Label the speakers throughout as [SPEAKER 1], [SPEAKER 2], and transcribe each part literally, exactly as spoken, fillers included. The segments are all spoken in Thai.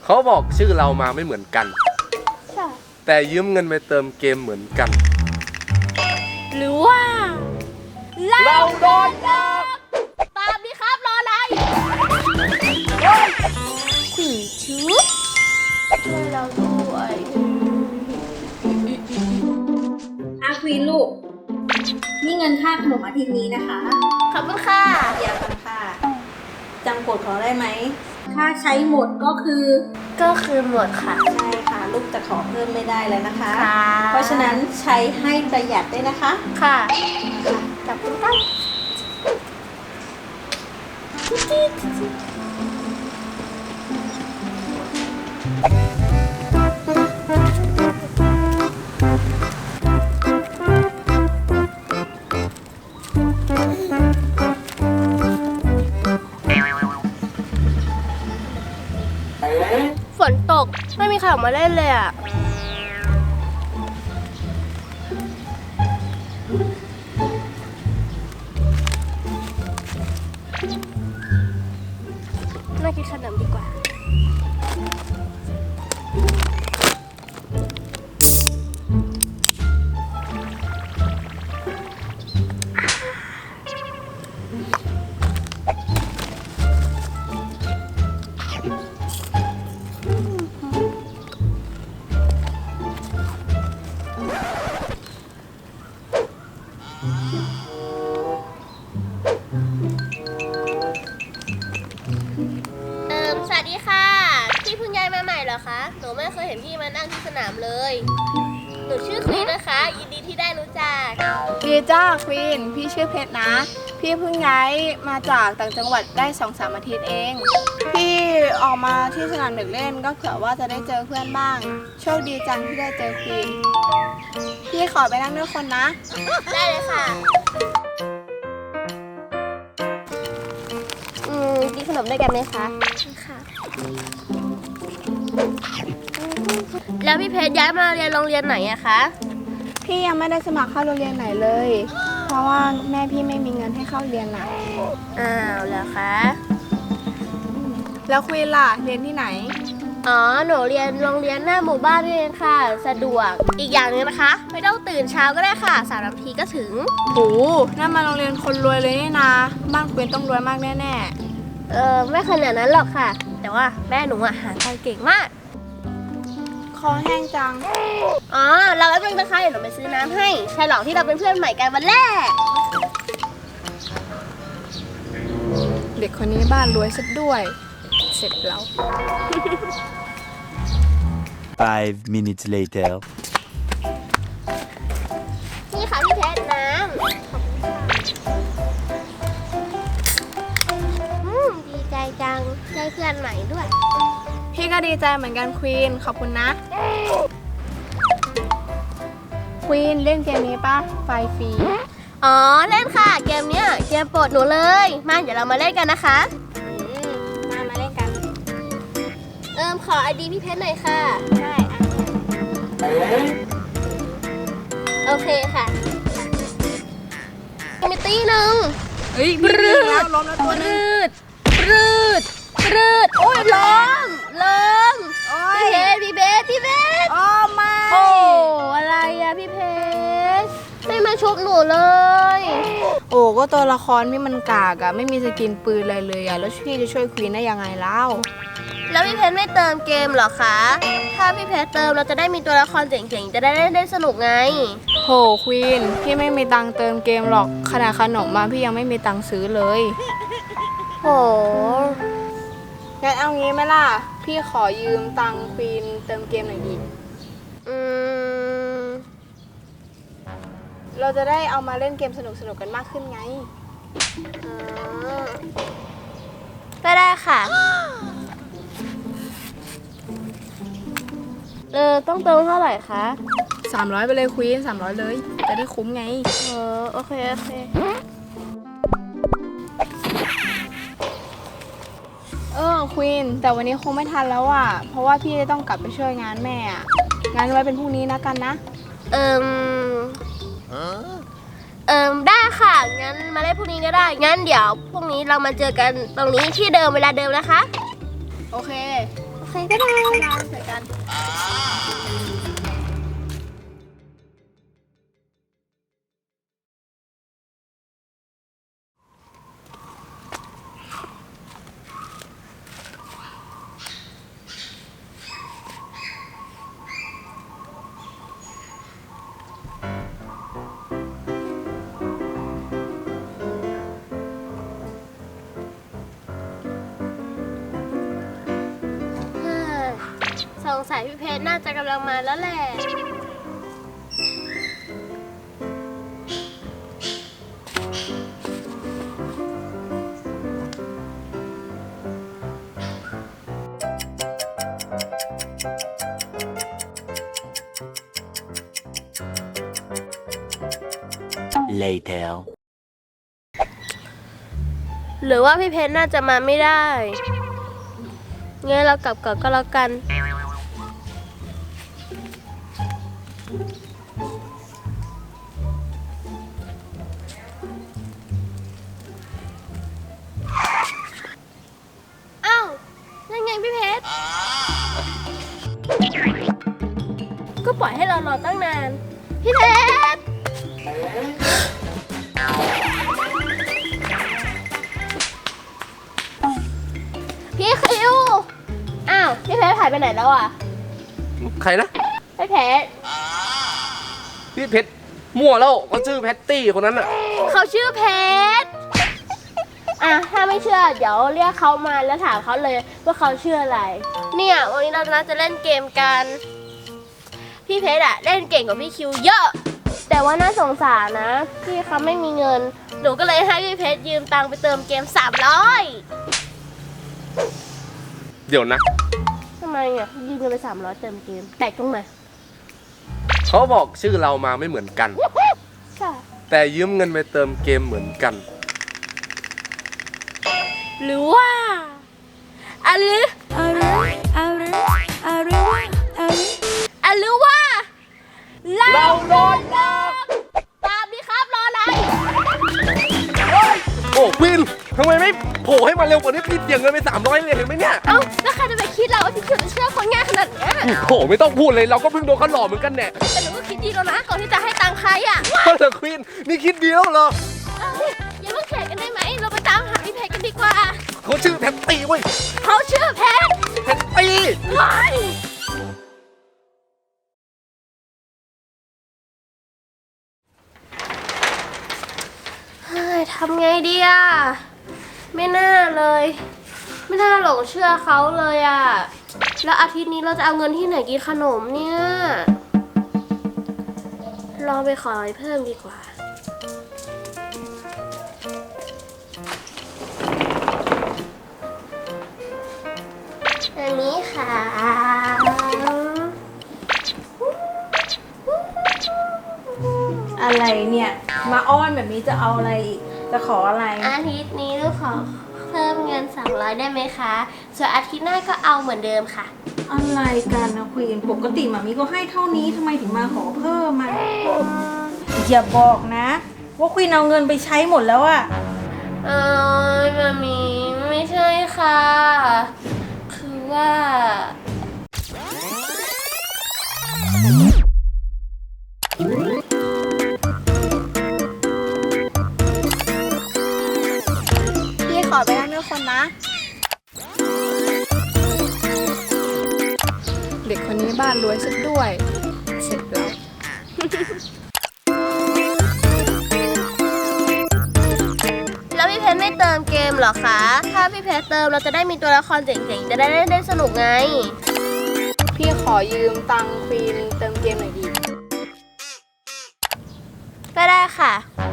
[SPEAKER 1] เขาบอกชื่อเรามาไม่เหมือนกัน
[SPEAKER 2] ใช่
[SPEAKER 1] แต่ยืมเงินไปเติมเกมเหมือนกัน
[SPEAKER 2] หรือว่า
[SPEAKER 1] เราโดนหลอก
[SPEAKER 2] ตามดิครับรออะไรขวีชุบช่วยเราด้วย
[SPEAKER 3] อาควีนลูกนี่เงินค่าขนมอาทิตย์นี้นะคะ
[SPEAKER 2] ขอบคุณค่ะ
[SPEAKER 3] เดี๋ยวกันค่ะจำกฎเขาได้ไหมถ้าใช้หมดก็คือ
[SPEAKER 2] ก็คือหมดค่ะ
[SPEAKER 3] ใช่ค่ะลูกจะขอเพิ่มไม่ได้แล้วนะคะ
[SPEAKER 2] ค่ะ
[SPEAKER 3] เพราะฉะนั้นใช้ให้ประหยัดด้วยนะคะ
[SPEAKER 2] ค่ะขอบคุณค่ะฝนตกไม่มีใครออกมาเล่นเลยอ่ะ น่ากินขนมดีกว่า เอิมสวัสดีค่ะ พี่เพิ่งย้ายมาใหม่เหรอคะ หนูไม่เคยเห็นพี่มานั่งที่สนามเลย หนูชื่อควีนนะคะ ยินดีที่ได้รู้จัก
[SPEAKER 4] ดีจ้าควีนพี่ชื่อเพชรนะ พี่เพิ่งย้ายมาจากต่างจังหวัดได้สองสามอาทิตย์เอง พี่ออกมาที่สนามเด็กเล่นก็เผื่อว่าจะได้เจอเพื่อนบ้าง โชคดีจังที่ได้เจอควีนพี่ขอไปนั่งด้วยคนนะ
[SPEAKER 2] ได้เลยค่ะ อืมกินขนมด้วยกันไหมคะค่ะ แล้วพี่เพชรย้ายมาเรียนโรงเรียนไหนอะคะ
[SPEAKER 4] พี่ยังไม่ได้สมัครเข้าโรงเรียนไหนเลย เพราะว่าแม่พี่ไม่มีเงินให้เข้าเรียนน่ะ
[SPEAKER 2] อ้าวเหรอคะ
[SPEAKER 4] แล้วควีนล่ะเรียนที่ไหน
[SPEAKER 2] อ๋อ หนูเรียนโรงเรียนหน้าหมู่บ้านนี่เองค่ะ สะดวก อีกอย่างหนึงนะคะ ไม่ต้องตื่นเช้าก็ได้ค่ะ สามนาทีก็ถึง
[SPEAKER 4] โหนั่นมาโรงเรียนคนรวยเลยนี่นะบ้านควีนต้องรวยมากแน่
[SPEAKER 2] เออไม่ขนาดนั้นหรอกค่ะ แต่ว่าแม่หนูอะหาตังค์เก่งมาก
[SPEAKER 4] ๆคอแห้งจัง
[SPEAKER 2] อ๋อ เราแป๊บนึงนะคะ เดี๋ยวหนูไปซื้อน้ำให้ ใช่หรอกที่เราเป็นเพื่อนใหม่กันวันแรก
[SPEAKER 4] เด็กคนนี้บ้านรวยซะด้วย เสร็จแล้ว
[SPEAKER 5] Five minutes later.
[SPEAKER 2] นี่ค่ะพี่เพชรน้ำขอบคุณค่ะอืมดีใจจัง ได้เพื่อนใหม่ด้วย
[SPEAKER 4] พี่ก็ดีใจเหมือนกันควีนขอบคุณนะควีนเล่นเกมนี้ปะไฟฟรี
[SPEAKER 2] อ๋อ เล่นค่ะ เกมเนี้ยเกมโปรดหนูเลย มาเดี๋ยวเรามาเล่นกันนะคะ
[SPEAKER 4] มามาเล่นกัน
[SPEAKER 2] เอิมขอไอดีพี่เพชรหน่อยค่ะ
[SPEAKER 4] ใช่
[SPEAKER 2] โอเคค่ะมีตีหนึ่ง
[SPEAKER 4] เฮ้ยมีมีแล้วล้มแล้วตัวนึง
[SPEAKER 2] ปรืดปรืดโอ้ยล้มล้ม
[SPEAKER 4] โอ้
[SPEAKER 2] พี่
[SPEAKER 4] ย
[SPEAKER 2] เพชรพี่เพชรพี่เพชร
[SPEAKER 4] โอ้ไม่
[SPEAKER 2] โอ้อะไรอะพี่เพชรไม่มาชุบหนูเลย
[SPEAKER 4] โอ้ก็ตัวละครพี่มันกากอะไม่มีสกินปืนอะไรเลยอะแล้วพี่จะช่วยควีนได้ยังไงเล่า
[SPEAKER 2] แล้วพี่เพชรไม่เติมเกมเหรอคะ ถ้าพี่เพชรเติมเราจะได้มีตัวละครเจ๋งๆ จะได้เล่นได้สนุกไง
[SPEAKER 4] โหควีนพี่ไม่มีตังค์เติมเกมหรอกขนาดขนมมาพี่ยังไม่มีตังค์ซื้อเลย
[SPEAKER 2] โห
[SPEAKER 4] งั้นเอางี้ไหมล่ะพี่ขอยืมตังค์ควีนเติมเกมหน่อยดิ
[SPEAKER 2] อืม
[SPEAKER 4] เราจะได้เอามาเล่นเกมสนุกๆกันมากขึ้นไง
[SPEAKER 2] อ๋อก็ได้ค่ะ เออ ต้องเติมเท่าไหร่คะ
[SPEAKER 4] สามร้อยไปเลยควีนสามร้อยเลย จะได้คุ้มไง
[SPEAKER 2] เออ โอเค โอเค
[SPEAKER 4] เออควีนแต่วันนี้คงไม่ทันแล้วอ่ะ เพราะว่าพี่จะต้องกลับไปช่วยงานแม่อ่ะงานไว้เป็นพรุ่งนี้นะกันนะ
[SPEAKER 2] เอิมเอิมได้ค่ะ งั้นมาเล่นพรุ่งนี้ก็ได้ งั้นเดี๋ยวพรุ่งนี้เรามาเจอกันตรงนี้ที่เดิมเวลาเดิมนะคะ
[SPEAKER 4] โอเค
[SPEAKER 2] โอเคเคบ๊ายบาย
[SPEAKER 4] บ๊ายบายเจอกัน
[SPEAKER 2] เฮ้ยสงสัยพี่เพชรน่าจะกำลังมาแล้วแหละ
[SPEAKER 5] Later.
[SPEAKER 2] หรือว่าพี่เพชรน่าจะมาไม่ได้งั้นเรากลับก่อนก็แล้วกัน อ้าวนั่นไงพี่เพชร ก็ปล่อยให้เรารอตั้งนาน พี่เพชร พี่คิว อ้าว พี่เพชรหายไปไหนแล้วอ่ะ
[SPEAKER 1] ใครนะ
[SPEAKER 2] พี่เพชร
[SPEAKER 1] พี่เพชรมั่วแล้วเขาชื่อแพตตี้คนนั้นอ่ะ
[SPEAKER 2] เขาชื่อเพชร อ่ะ ถ้าไม่เชื่อ เดี๋ยวเรียกเขามาแล้วถามเขาเลยว่าเขาชื่ออะไร เนี่ยวันนี้เราจะเล่นเกมกัน พี่เพชรอะเล่นเก่งกว่าพี่คิวเยอะ แต่ว่าน่าสงสารนะ พี่เขาไม่มีเงิน หนูก็เลยให้พี่เพชรยืมตังค์ไปเติมเกมสามร้อย
[SPEAKER 1] เดี๋ยวนะ
[SPEAKER 2] ทำไมอ่ะยืมเงินไปสามร้อยเติมเกม แตกตรงไหน
[SPEAKER 1] เขาบอกชื่อเรามาไม่เหมือนกัน
[SPEAKER 2] ค่ะ
[SPEAKER 1] แต่ยืมเงินไปเติมเกมเหมือนกัน
[SPEAKER 2] หรือว่าอะหรืออะหรืออะหรืออะหรือว่าอะหรือว่าเราโดนหลอกตามดิครับรออะไร
[SPEAKER 1] โอ้ควินทำไมไม่โผล่ให้มาเร็วกว่านี้พี่เสียเงินไปสามร้อยเลยเห็นไหมเนี่ย
[SPEAKER 2] เอ้าแล้วใครจะไปคิดเราว่าพี่คิวจะเชื่อคนง่ายขนาดเนี้ย
[SPEAKER 1] โอ้ไม่ต้องพูดเลยเราก็เพิ่งโดนเขาหลอกเหมือนกันแน่
[SPEAKER 2] แต่หนูก็คิดดีแล้วนะก่อนที่จะให้ตังค์ใครอ่ะ
[SPEAKER 1] แต่ควินนี่คิดดีแล้วเหรอ
[SPEAKER 2] เอ้าอย่าเพิ่งแข่งกันได้ไหมเราไปตามหาพี่เพชรกันดีกว่า
[SPEAKER 1] เขาชื่อแพตตี้เว้ย
[SPEAKER 2] เขาชื่อเพชร
[SPEAKER 1] แพตตี้
[SPEAKER 2] ว้ายเฮ้ยทำไงดีอ่ะ ไม่น่าเลย ไม่น่าหลงเชื่อเขาเลยอ่ะ แล้วอาทิตย์นี้เราจะเอาเงินที่ไหนกินขนมเนี่ยลองไปขอเพิ่มดีกว่า อันนี้ค่ะ
[SPEAKER 3] อะไรเนี่ย มาอ้อนแบบนี้จะเอาอะไรอีก จะขออะไร
[SPEAKER 2] อาทิตย์นี้ลูกขอเพิ่มเงินสามร้อยได้ไหมคะ ส่วนอาทิตย์หน้าก็เอาเหมือนเดิมค่ะ
[SPEAKER 3] อะไรกันนะควีนปกติหมามีก็ให้เท่านี้ทำไมถึงมาขอเพิ่มมาอย่าบอกนะ ว่าควีนเอาเงินไปใช้หมดแล้วอะ
[SPEAKER 2] เออมามีไม่ใช่ค่ะ คือว่า
[SPEAKER 4] พี่ขอไปนั่งด้วยคนนะ เด็กคนนี้บ้านรวยสุดด้วย เสร็จแล้ว
[SPEAKER 2] แล้วพี่เพชรไม่เติมเกมเหรอคะ ถ้าพี่เพชรเติมเราจะได้มีตัวละครเจ๋งๆ จะได้เล่นได้สนุกไง
[SPEAKER 4] พี่ขอยืมตังค์ควีนเติมเกมหน่อยดี
[SPEAKER 2] ก็ได้ค่ะ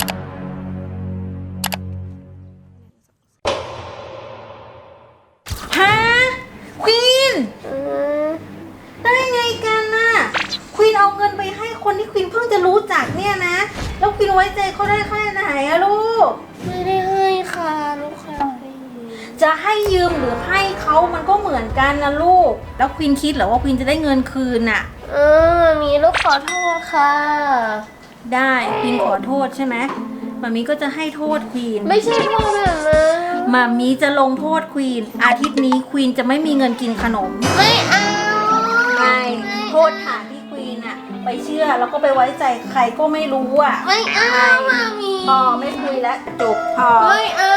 [SPEAKER 3] ฮะควีน
[SPEAKER 2] อืม
[SPEAKER 3] ได้ไงกันน่ะควีนเอาเงินไปให้คนที่ควีนเพิ่งจะรู้จักเนี่ยนะ แล้วควีนไว้ใจเขาได้แค่ไหนอะลูก
[SPEAKER 2] ไม่ได้ให้ค่ะลูกค้าให้ยืม
[SPEAKER 3] จะให้ยืมหรือให้เขามันก็เหมือนกันนะลูก แล้วควีนคิดเหรอว่าควีนจะได้เงินคืนน่ะ
[SPEAKER 2] เออมีลูกขอโทษค่ะ
[SPEAKER 3] ได้ควีนขอโทษใช่ไหมมามีก็จะให้โทษควีน
[SPEAKER 2] ไม่ใช่พ่อแบบนั้น
[SPEAKER 3] มามีจะลงโทษควีนอาทิตย์นี้ควีนจะไม่มีเงินกินขนม
[SPEAKER 2] ไม่เอา
[SPEAKER 3] ไม่โทษฐานที่ควีนอะไปเชื่อแล้วก็ไปไว้ใจใครก็ไม่รู้อะ
[SPEAKER 2] ไม่เอามามี
[SPEAKER 3] พอไม่คุยแล้วจบพอ
[SPEAKER 2] ไม่เอา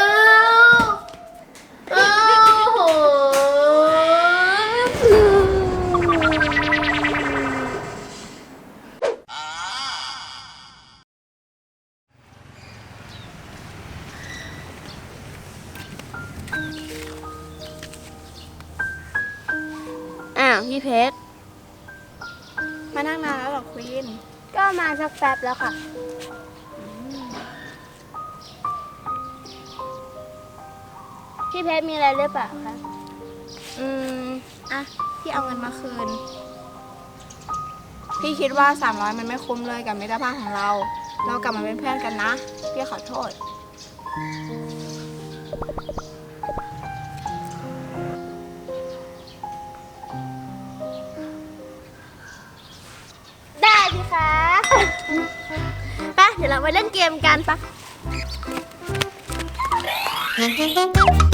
[SPEAKER 2] เอาโห
[SPEAKER 4] อ้าวพี่เพชรมานั่งนานแล้วเหรอควีน
[SPEAKER 2] ก็มาสักแป๊บแล้วค่ะ พี่เพชรมีอะไรหรือเปล่าคะ
[SPEAKER 4] อืมอ่ะพี่เอาเงินมาคืน พี่คิดว่าสามร้อยมันไม่คุ้มเลยกับมิตรภาพของเรา เรากลับมาเป็นเพื่อนกันนะ พี่ขอโทษ
[SPEAKER 2] ได้สิคะ ไปเดี๋ยวเราไปเล่นเกมกันปะ